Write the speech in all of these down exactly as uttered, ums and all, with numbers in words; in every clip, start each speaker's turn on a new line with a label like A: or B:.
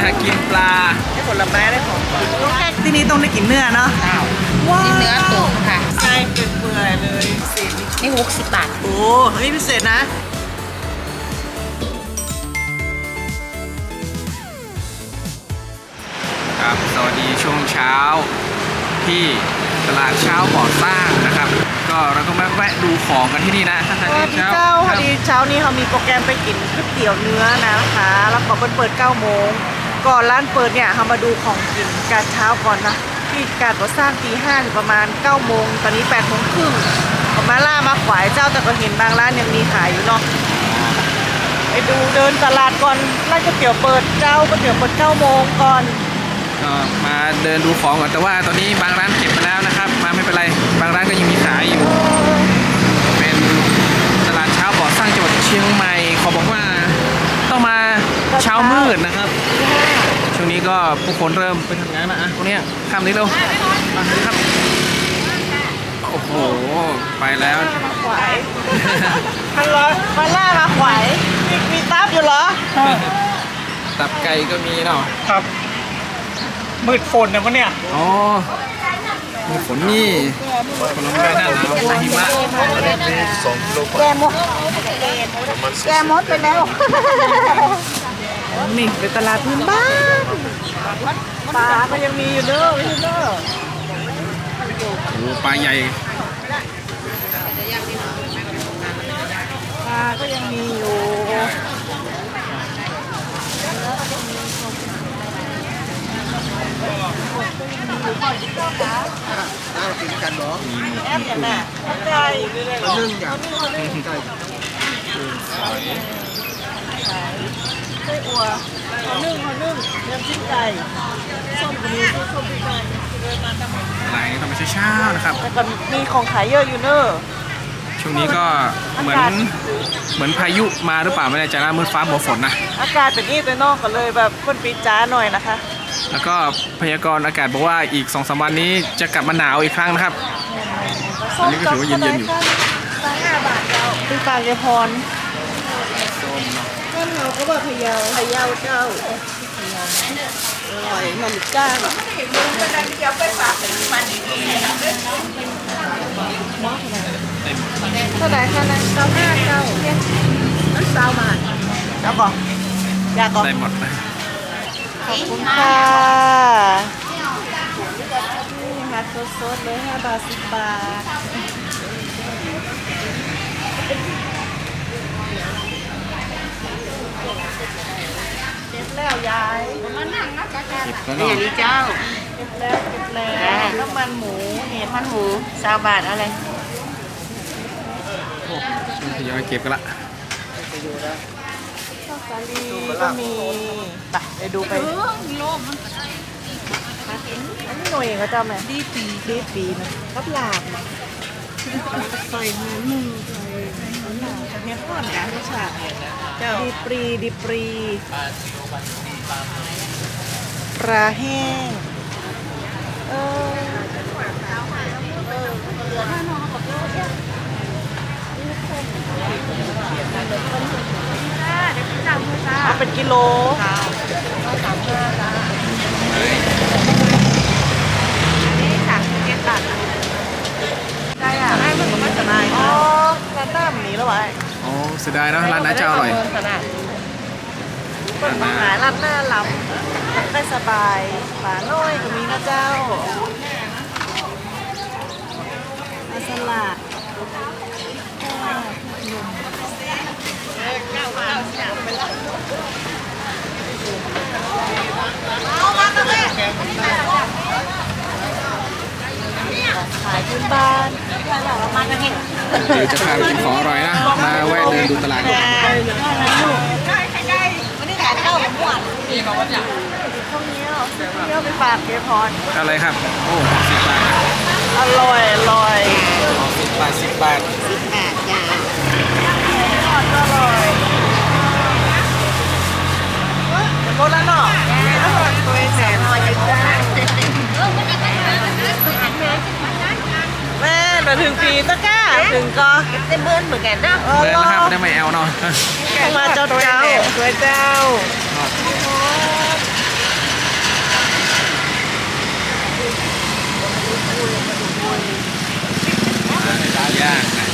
A: กินปลา
B: ได้ผลไม้ได้ของกินต้องแค่ที่นี่ต้องได้กินเนื้อเนาะว้าว
C: นี่เนื้อตุ๋นค่ะ
B: ใช่เป็นเปื่อยเลยพิเศษ
C: นี่หกสิบบาท
B: โอ้อันนี้พิเศษนะ
A: ครับสวัสดีช่วงเช้าที่ตลาดเช้าก่อสร้างนะครับ ก็เราก็มาแวะดูของกันที่นี่นะ
B: สวัสดีเจ้าพอดีเช้านี้เขามีโปรแกรมไปกินก๋วยเตี๋ยวเนื้อนะคะ แล้วก็เปิดเปิดเก้าโมงก่อนร้านเปิดเนี่ยเขามาดูของกินการเช้าก่อนนะที่การก่อสร้างตีห้าถึงประมาณเก้าโมงตอนนี้แปดโมงครึ่งผมมาล่ามาขวายเจ้าแต่ก็เห็นบางร้านยังมีขายอยู่เนาะไปดูเดินตลาดก่อนร้านก๋วยเตี๋ยวเปิดเจ้าก๋วยเตี๋ยวเปิดเก้าโมงก่อน
A: ก็มาเดินดูของก่อนแต่ว่าตอนนี้บางร้านเก็บมาแล้วนะครับ มาไม่เป็นไรบางร้านก็ยังมีขายอยู่ เป็นตลาดเช้าก่อสร้างจังหวัดเชียงใหม่เขาบอกว่าต้องมาเช้ามืดนะครับช่วงนี้ก็ผู้คนเริ่มไปทำงานนะอ่ะพวกเนี้ยข้ามนี้เร็วมาเลยครับโอ้โหไปแล้ว
B: มาขวายมันร้อนมาล่ามาขวายมีมีตับอยู่เหรอ
A: ตับไก่ก็มีเนาะ
B: ครับมืดฝนนะพวกเนี่ย
A: อ๋อมีฝนนี่ผลไม้หน้าหนาวหน้าหิมะ
C: แกมดแกมดไปแล้ว
B: นี่เป็นตลาดพื้นบ้านปลาก็ยังมีอยู่เด้อพี่เด้อ
A: โอ้ปลาใหญ่
B: ปลาก็ยังมีอยู่แอปอย่างน่ะไก่นึ่งอย่างไก่ไส้อั่วเขานึ่งเขานึ่งน้ำจิ้มไก่ส้มก็มีส้มพริกไก่
A: อะไรนี่ต้องไปเช้าๆนะครับ
B: แต่ก็มีของขายเยอะอยู่เนอะ
A: ช่วงนี้ก็เหมือนเหมือนพายุมาหรือเปล่าไม่แน่ใจนะมืดฟ้ามัวฝนนะ
B: อากาศเป็นนี่ตัวนอกกันเลยแบบคนปีจ้าหน่อยนะคะ
A: แล้วก็พยากรณ์อากาศบอกว่าอีก สองสาม วันนี้จะกลับมาหนาวอีกครั้งนะครับ อันนี้ก็ถือว่าเย็นๆอยู่
B: สองห้าบาทเจ้าคือปลาเกพรต้นเราก็ว่าพะเยาพะเยาเจ้าอร่อยมันก้างเท่าไหร่คะนะเก้าห้าเจ้านั่นสาวบาทเจ้าบอกอยากบอก
A: ได้หมดนะ
B: ขอบคุณค่ะนี่ฮัทสดๆเลยห้าบาทสิบบาทเก็บแล้วยายมานั่งนะจ๊ะจ๊ะ
A: เก็บแล้ว
C: นี่
A: เนาะ
C: อันนี้เจ้า
B: เก็บแล้วเก็บแล้วน้ำมันหมูเห็ด
C: มันหมูสามบาทอะไร
A: ทยอยเก็บกันละ
B: ข้าวสาลีก็มีไปไปดูไปอันนี้หน่วยเขาจำไหมดีปีดีปีนะกับลาบนะใส่เนื้อหมูใส่หนังเนื้อทอดนะรสชาติเจ้าดีปรีดีปรีปลาแห้งเออเอาเป็นกิโลได้อะได้มันก็ไม่สบายอ๋อร้านหน้ามันนี้แล้วไว้
A: โอ้เสียดายเนอะร้านน้าจะอร่อย
B: เปิดมาหาร้านหน้าลำได้สบายฝาน้อยก็มีนะเจ้าอาสลัดขายพื้นบ้านประมาณนี้
A: เดี๋ยวจะพาไปกินของอร่อยนะ มาแวะเดินดูตลาดก่อน
B: วันนี้ขายข้าวหมูหวานมีมาวันอย่างข้าวเหนียวข้าวเหนียวไปฝากเกพร
A: อะไรครับ โอ้สิบบาทนะ
B: อร่อยอร่อย
A: สิบบาทสิบบาท
C: สิบบาทจ้า
B: ทอดก็อร่อยเดี๋ยวหมดแล้วเนาะอร่อยตัวแสนอร่อยจ้าแม่มาถึงปีตะก้าถึงก็
C: เต็มเบิ้ลเหมือนกันนะ
B: เออ
A: เดิน
B: รอ
A: นะครับได้ไม่แอลเนาะ
B: มาเจ้าเจ้าสวยเจ้า
A: ย่างนะ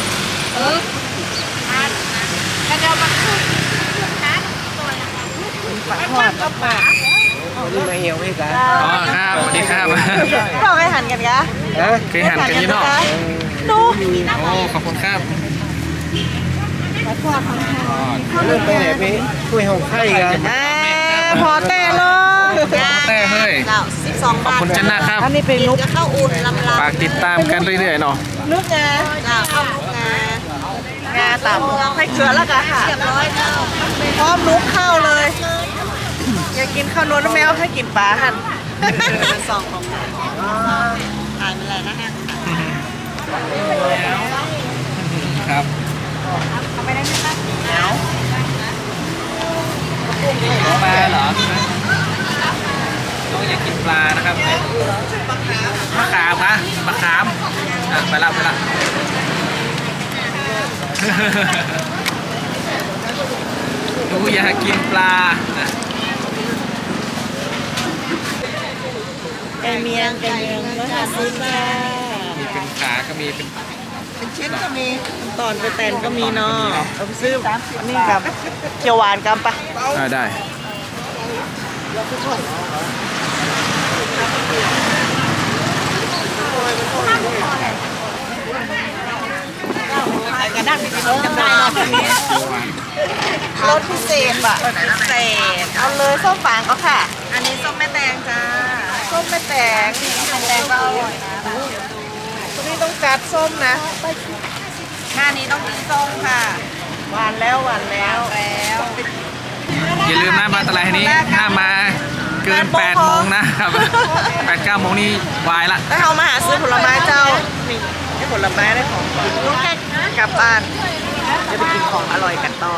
B: ปลาทอดกับปลา
D: นี่มาเหี่ยวให้กัน
A: อ๋อครับสวัสดีครับ
B: เราให้หันกันกะ
A: เคยหันกันอยี่เนอก
B: ดู
A: โอ้ขอบคุณครับ
B: ปลาทอดของไทย
A: อ๋อ
D: เริ่มไปไหนไปคุยห้องไข่กัน
B: อ่าพอแต่เลย
A: แต่เฮ้ย
C: เจ้าสิบสอง
A: ขอบบ
C: าท
A: คุณจันนะครับ
B: อันนี้เป็นนุก
C: จะเข้าอุ่นลำลา
A: ฝากติดตามกันเรื่อยๆเนาะ
B: นุกไง
C: เจ้าเข้าลูกงาง
B: าต่ำให้เกลือแล้วกันค่ะ
C: เรียบร้อยเจ้า
B: พร้อมนุกเข้าเลย อยากกินข้าวนวลแมวให้กินปลาหัน
C: สองของถ่ายมาเลยนะฮะ
A: ครับปลาเหรอน้องอยากกินปลานะครับมะขามนะมะขามอ่ะไปละไปละ ดูอยากกินปลานะ
B: แกงเมียงแกงเมียงร้อยห้าสิบค่ะ
A: มีเป็นขาก็มีเป็น
B: เป็นชิ้นก็มีตอนไปแตนก็มีเนาะเอาไปซื้ออันนี้กับเขียวหวานกันปะ
A: อ่าได้
B: กระด้างไปกินกันได้เนาะรสพิเศษบะพิเศษเอาเลยส้มฝางก็ค่ะ
C: อันนี้ส้มแม่แตงจ้า
B: ส้มไม่แตก
C: แม่แตงก็อร่อยนะ
B: ตัวนี้ต้องจัดส้มนะ
C: หน้านี้ต้องกินส้มค่ะ
B: หวานแล้วหวานแล้ว
C: แล้ว
A: อย่าลืมนะมาตลาดแห่งนี้ถ้ามาเกินแปดโมงนะครับแปดเก้าโมงนี่วายละ
B: ถ้าเขามาหาซื้อผลไม้เจ้านี่ได้ผลไม้ได้ของกินลูกแค่กลับบ้านจะไปกินของอร่อยกันต่อ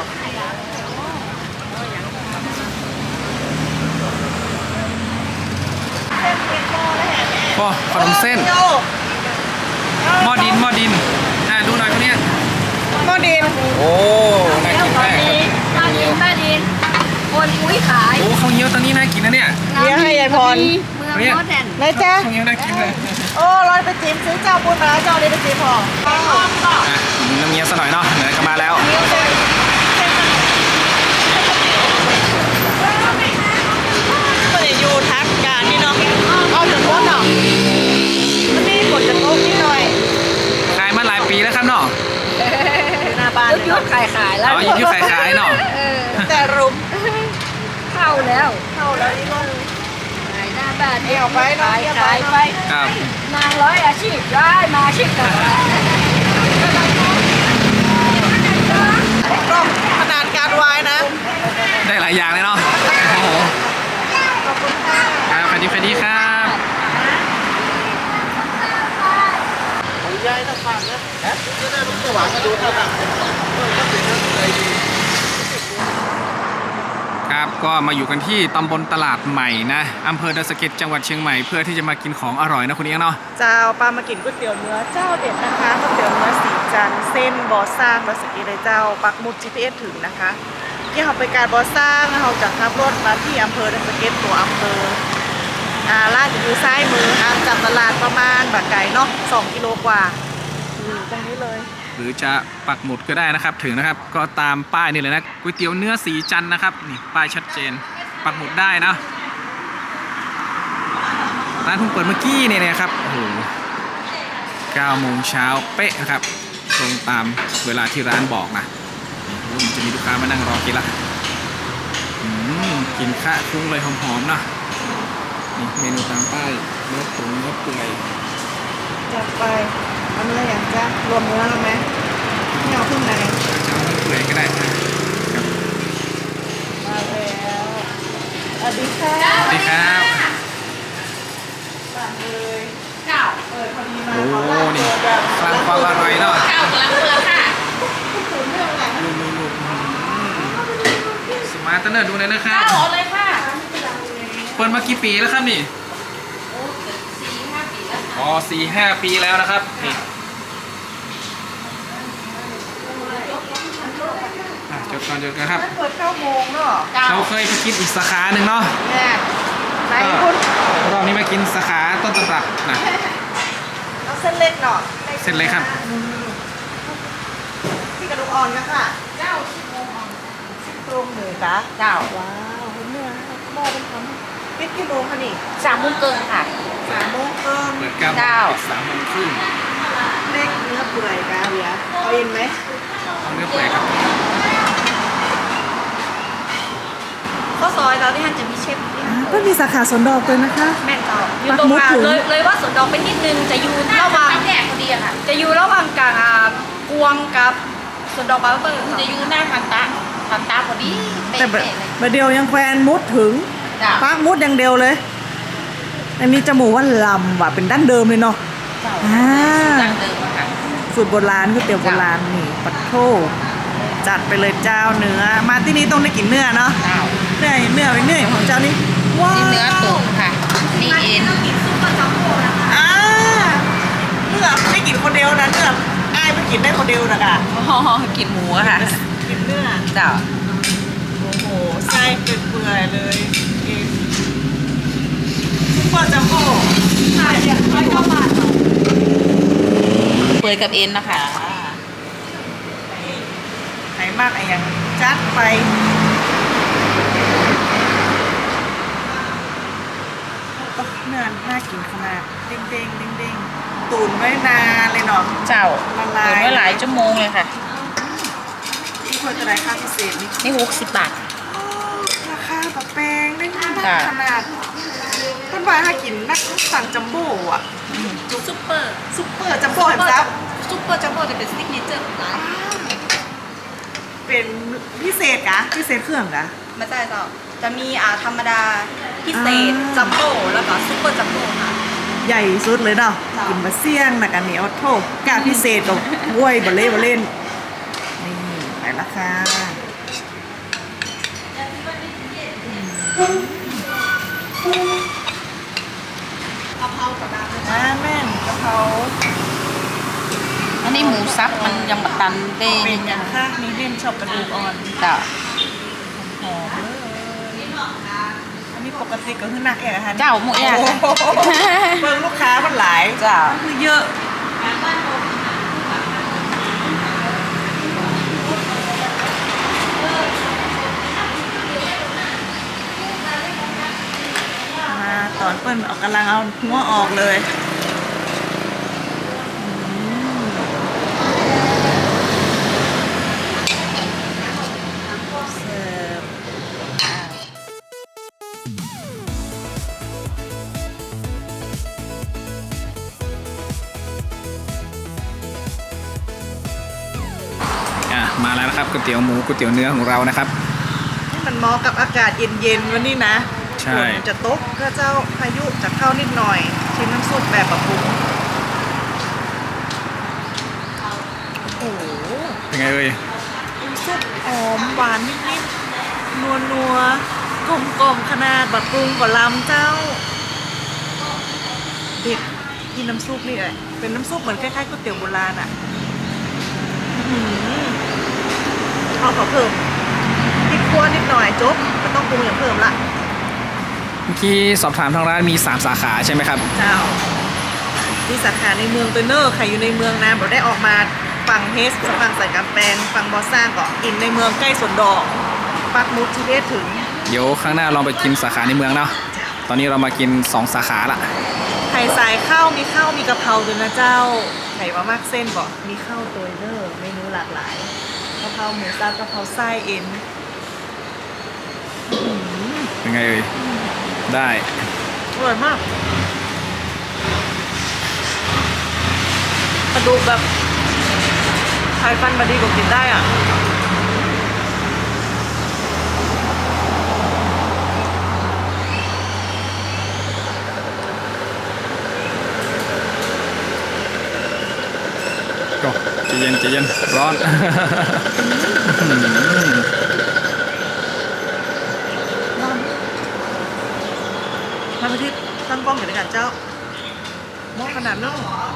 A: โอ้ขนมเส้นหม้อดินหม้อดินอ่าดูหน่อยคนเนี้ย
B: หม้อดิน
A: โอ้น่ากินมากครับ
E: ป้าดินป้าดินคนอุ้ยขาย
A: โอ้ข้าวเหนียวตอนนี้น่ากินนะเนี่ย
B: เลี้ยงให้ยายพร
E: เมืองโนแดน
B: นายจ๊ะ
A: ข้าวเหนียวน่ากินเลย
B: โอ้ร้อยไปจิ้มซื้อเจ้าบุญมาแล้วเจ้านี้ไปจิ้มพอ
A: อ่ะมีน้ำเงี้ยวซะหน่อยเนาะเดี๋ยวก็มาแล้ว
B: ก็จะอยู่ทักการนี่เนาะเอาถึงว่าเนาะมันนี่ฝนจะตกนิดหน่อย
A: ขายมาหลายปีแล้วครับเนาะ
B: หน้าบ้าน
E: ยุดยุดขายขายแล้ว
A: อ๋ออยู่ที่ขายขายเนาะ
E: เออ
B: แต่รุม
E: เข้าแล้ว
B: เข้าแล้วนี่ก็
E: ขายหน้าบ้าน
B: เดี่ยวไปเนาะ
E: ขาย
B: เดี่ยว
E: ขาย
B: ไป
E: ไป
A: ครับ
E: นางร้อยอาชีพได้มาอาชีพกัน
B: ก็ขนาดการวายนะ
A: ได้หลายอย่างเลยเนาะโอ้โห
B: ขอบคุณค่ะ
A: ครับสวัสดีสวัสดีครับ
D: ยายต้องฟังนะจะได้ลูกหวานก็ดูเท่ากัน
A: ครับก็มาอยู่กันที่ตำบลตลาดใหม่นะอำเภอดอยสะเก็ดจังหวัดเชียงใหม่เพื่อที่จะมากินของอร่อยนะคุณเอียงเนาะ
B: เจ้าปลามากินก๋วยเตี๋ยวเนื้อเจ้าเด็ดนะคะก๋วยเตี๋ยวเนื้อสีจันทร์เส้นบอสร้างบอสกีเลยเจ้าปักหมุด จี พี เอส ถึงนะคะที่เขาไปการบอสร้างเขาจะขับรถมาที่อำเภอดอยสะเก็ดตัวอำเภออ่าร้านอยู่ซ้ายมือห่างจากตลาดประมาณแบบไก่เนาะสองกิโลกว่าอยู่ตรงนี้เลย
A: หรือจะปักหมุดก็ได้นะครับถึงนะครับก็ตามป้ายนี่เลยนะก๋วยเตี๋ยวเนื้อสีจันทร์นะครับนี่ป้ายชัดเจนปักหมุดได้นะร้านเพิ่งเปิดเมื่อกี้เนี่ยนะครับโอ้โหเก้าโมงเช้าเป๊ะนะครับตรงตามเวลาที่ร้านบอกนะโอ้โหมันจะมีลูกค้ามานั่งรอกินละอืมกินข้าวคลุ้งเลยหอมๆนะนี่เมนูตามป้ายเนื้อตุ๋นเนื้อเปื่อย
B: จัดไปเอันนี้อะไรอย่างจ้ารวมเนื้อไหมไม่เอาขึ้นไหน
A: จะเอาเนื้อเปื่อยก็ได้นะครับ
B: มาแล้วสวัสดีค่ะ
A: สวัสดีครับ
B: สั่งเลย
E: เก้า
B: เปิดพอดีมา
A: โอ้
B: ขอร้าน
A: นี่
B: เปิดแบบ
A: สร้างความอร่อยเนาะ
E: เก้ากำลังเปิดค่ะ
A: ลูกๆสมาร์ทเนอร์ดูเลยนะครับ
E: เก้าหมดเลยค่ะ
A: เปิดมากี่ปีแล้วครับนี่
E: สี่ห้าปีแล้ว
A: อ๋อสี่ห้าปีแล้วนะครับนี่อ่ะจดก่อนจดกันครับ
B: เปิดเก้าโมงเนาะ
E: เก้า
A: เราเคยไปกินอีกสาขาหนึ่งเนาะ
B: แน่ไหน
A: ก็
B: คุณ
A: รอบนี้มากินสาขาต้นตำรับนะ
B: เอาเส้นเล็กเนาะ
A: เสร็จเลยครับ
B: ที่กระดูกอ่อนกันค่ะเจ้าซี่โครงอ่อนซี่โครงหมูกะ
C: เจ้า
B: ว้าวเนื้อหม้อเป็นคำปิดกี่โมงคะนี่
C: สามโมงเกินค่ะ
B: สามโมงเกิน
A: เปิดเก้าโมง
C: เก้า
A: ปิดสามโมงครึ่ง
B: เล็กเนื้อเปื่อยกะเบียร์เอาเย็นไหม
A: เอาเนื้อเปื่อยครับ
E: ข้าวซอยเราที่ท่านจะมีเชฟ
B: ก็มีสาขาสวนดอกเลยนะคะ
E: แม่นต่ออยู่
B: ปัก
E: ตรง
B: หมุด
E: อ่า
B: ถึง
E: เลยเลยว่าสวนดอกไปนิดนึงจะอยู่ระหว่าง
C: แยกพอดีอะค่ะ
E: จะอยู่ระหว่างกลางอ่ากวงกับสวนดอกบาร์เบอร์
C: จะอยู่หน้าพันตาพันตาพอดีเป๊
B: แต่แบบ
C: ะๆเลย
B: แบบเดียวยังแควนมุดถึง
C: จ้า
B: ปักมุดอย่างเดียวเลย อันนี้จมูกว่าลำว่ะเป็นดั้งเดิมเลยเนาะ
C: เจ้า
B: อ่า
C: ดังเดิมอะค่ะ
B: สูตรโบราณก๋วยเตี๋ยวโบราณนี่ปัดโทจัดไปเลยเจ้าเนื้อ มาที่นี่ต้องได้กินเนื้อเนาะ
C: เจ้า
B: เนื้อเนื้อเป็นเนื้อของเจ้านี่ว้าว
C: นี่เนื้อตุ๋นค่ะ นี่เอ็น
B: อ่าเนื้อไม่กินคนเดียวนะเนื้ออ้ายไม่กินได้คนเดียวนะกะ
C: อ๋อกินหมูอะค่ะ
B: กินเนื้อ
C: เจ้า
B: โอ้โหไส้เป็นเปื่อยๆเลยเอ็นซุปเปอร์จัมโบ้
E: ค่ะเดี๋ยวร้อยเก้าบาท
C: เปื่อยกับเอ็นนะคะ
B: ไหนมากไอ้ยังจัดไปโอ้เนื้อน่ากินขนาดเด้งเด้งเด้งเด้งๆตุ๋นไว้นานเลยเนาะ
C: เจ้า
B: ละลาย
C: ตุ๋นไว้หลายชั่วโมงเลยค่ะ
B: ที่ควรจะได้ค่าพิเศษนี่
C: นี่หกสิบบาท
B: โอ้ราคาแบบแพงได้มาก
C: ค่ะ
B: ขนาดต้นไม้ถ้ากินนักสั่งจัมโบ้อะ
E: ซุปเปอร์
B: ซุปเปอร์จัมโบ้เห็นซับ
E: ซุปเปอร์จัมโบ้จะเป็นซิกเนเจอร์ของร้าน
B: เป็นพิเศษกะพิเศษเครื่องกะ
E: ไม่ใช่เจ้าจะมีอ่าธรรมดาพิเศษ
B: อ่า
E: จัมโบ้แล้วก็ซุปเปอร์จัมโบ้ค่ะ
B: ใหญ่สุดเลยเนาะ
E: ค่ะ
B: กินบะเสี่ยงนะกันเหนียวโทษกะพิเศษกับบ้วยบะเล่บะเล่นนี่ไปละค่ะกะเพรากับดาอ่าแม่นกะเพรา
C: อันนี้หมูซับมันยังบัดตันเด้
B: เป็นอย่างค่ะมีเล่นชอบกระดูกอ่อน
C: เจ้า
B: หอมเลยอันนี้ปกติก็คือหนักแอะค่ะ
C: เจ้าหมูย่าง
B: โอ้โหเบิ่งลูกค้ามันหลาย
C: เจ้า
B: คือเยอะมาตอนเปิ้ลเอากำลังเอาหัวออกเลยเสิร์ฟอ่ะ
A: อ่ะมาแล้วนะครับก๋วยเตี๋ยวหมูก๋วยเตี๋ยวเนื้อของเรานะครับ
B: นี่มันเหมาะกับอากาศเย็นๆวันนี้นะ
A: ใช่
B: ฝนจะตกก็เจ้าพายุจะเข้านิดหน่อย ชิมน้ำซุปแบบปรับปรุงโอ้โห
A: เป็นไงเอ่ย
B: น้ำซุปหอมหวานนิดๆนัวนัวๆกลมกลมๆขนาดปรับปรุงก่อนลำเจ้า เด็กกินน้ำซุปนี่แหละเป็นน้ำซุปเหมือนคล้ายๆก๋วยเตี๋ยวโบราณอ่ะอื้อหือเอาขอเพิ่มพริกขั่วนิดหน่อยจบไม่ต้องปรุงอย่างเพิ่มละ
A: เมื่อกี้สอบถามทางร้านมีสามสาขาใช่ไหมครับ
B: เจ้าที่สาขาในเมืองเตอร์เนอร์ใครอยู่ในเมืองนะบอกได้ออกมาฝั่งเฮสฝั่งใส่กำแพงฝั่งบอสซ่าก็กินในเมืองใกล้สวนดอกปักหมุดที่ได้ถึง
A: เดี๋ยวข้างหน้าลองไปกินสาขาในเมืองเนาะตอนนี้เรามากินสองสาขาละ
B: ไข่สายข้าวมีข้าวมีกะเพราด้วยนะเจ้าไข่มามากเส้นบอกมีข้าวตัวเนอร์เมนูหลากหลายกะเพราหมูสับกะเพราไส้เอ็นอื้อหือ
A: เป็นไงเอ่ยได้
B: อร่อยมากกระดูกแบบไข่ฟันมาดีกว่ากินได้อ่ะ
A: ก็ใจเย็นใจเย็นร้อน
B: มาไปที่ตั้งกล้องอยู่ด้วยกันเจ้าหม้อขนาดนั้น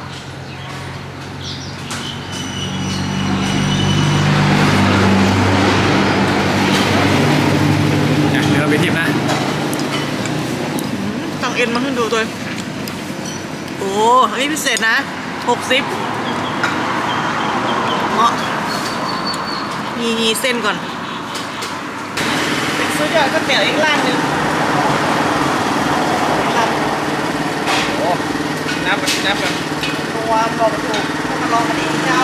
A: เนี่ยเนื้อเป็นทิพย์นะ
B: ต้องเอ็นมาขึ้นดูตัวโอ้อันนี้พิเศษนะหกสิบเหมาะมีเส้นก่อนเป็นซื้อเดี๋ยวก๋วยเตี๋ยวอีกร้านหนึงครับ
A: โอ้น้ำแบบน้ำแบบ
B: ตัวบอกไม่ถูกต้องมาลองกันเองเจ้า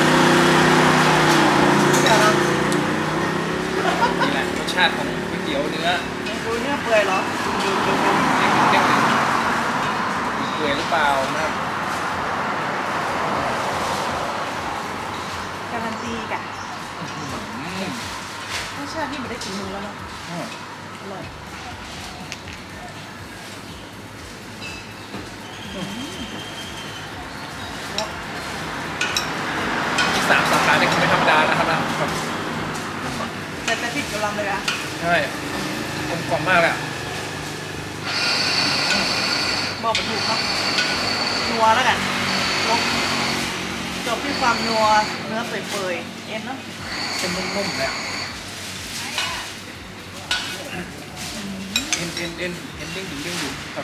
B: เดี๋ยวเรา
A: นี่แหละรสชาติของก๋วยเตี๋ยวเนื้อ
B: ดูเนื้อเปื่อยเหรอดูดูดู
A: เด้งๆเปื่อยหรือเปล่านะครับ
B: การันตีกะ
A: อืม
B: รสชาตินี่ไม่ได้กินมือแล้วเนาะอร่อย
A: มีสามสาขาเนี่ยคือไม่ธรรมดานะครับนะครับ
B: แต่แต่ผิดกำลังเลยอะ
A: ใช่กลมกล่อมมากเลยอะ
B: บอกไม่ถูกเนาะนัวแล้วกันลงจบที่ความนัวเนื้อเปื่อยๆเอ็นเนาะ
A: เป็นนุ่มๆเลยอะเอ็นเอ็นเอ็นเอ็นเด้งดึงเด้งดึงครับ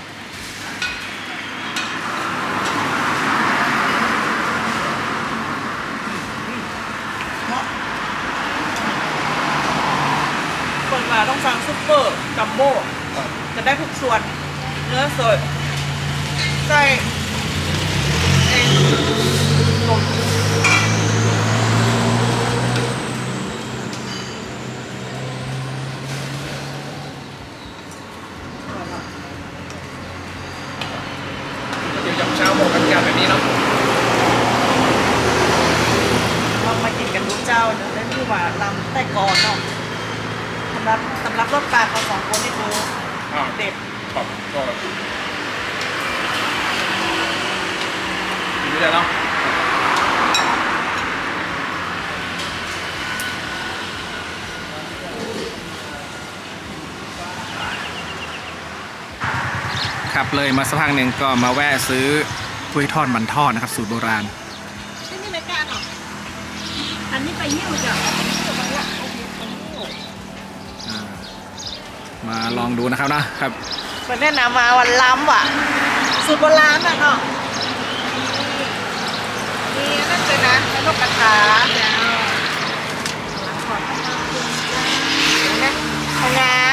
B: เนาะคนมาต้องสั่งซุปเปอร์จัมโบ้
A: ครับ
B: จะได้ทุกส่วนเนื้อสดไส้เอ็นนม
A: เดี๋ยวจะเช้าโมงกันการแบบนี้เนาะ
B: ลองมากินกันดูเจ้าเนื้อได้ที่ว่าลำแต่ก่อนเนาะสำหรับสำหรับรสปลาเขาสองคนนี่คือ
A: อ่า
B: เด็ด
A: ครับก็อยู่ได้เนาะครับเลยมาสักพักหนึ่งก็มาแวะซื้อกล้วยทอดมันทอดนะครับสูตรโบราณ
B: ที่นี่รายการเนาะ
E: อันนี้ไปยิ้วจ้ะ
A: อ่ามาลองดูนะครับนะครับ
B: เปิดแนะนำมาวันล้ำว่ะสูตรโบราณน่ะเนาะนี่นั่นเลยนะนกกระทาเจ้านะเอางา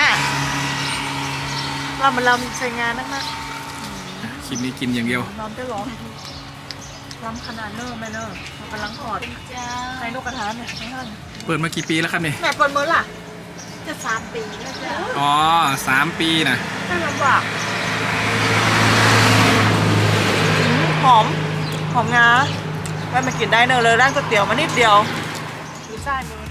B: เรามาลำใช้งานนักนะ
A: คลิปนี้กินอย่างเดียว
B: ลำได้หรอล้ำขนาดเนอร์แม่เนอร์มันกำลังกอดในนกกระทาเนี่ยให้ท่าน
A: เปิดมากี่ปีแล้วครับนี่
B: แม่เปิดมือล่ะ
C: จะสามปีแล้วจ้ะ
A: อ๋อสามปีนะ
B: ไม่ลำบากหอม หอมงาแม่มากินได้เนอะเลยร้านก๋วยเตี๋ยวมานิดเดียวดูซ้ายมือ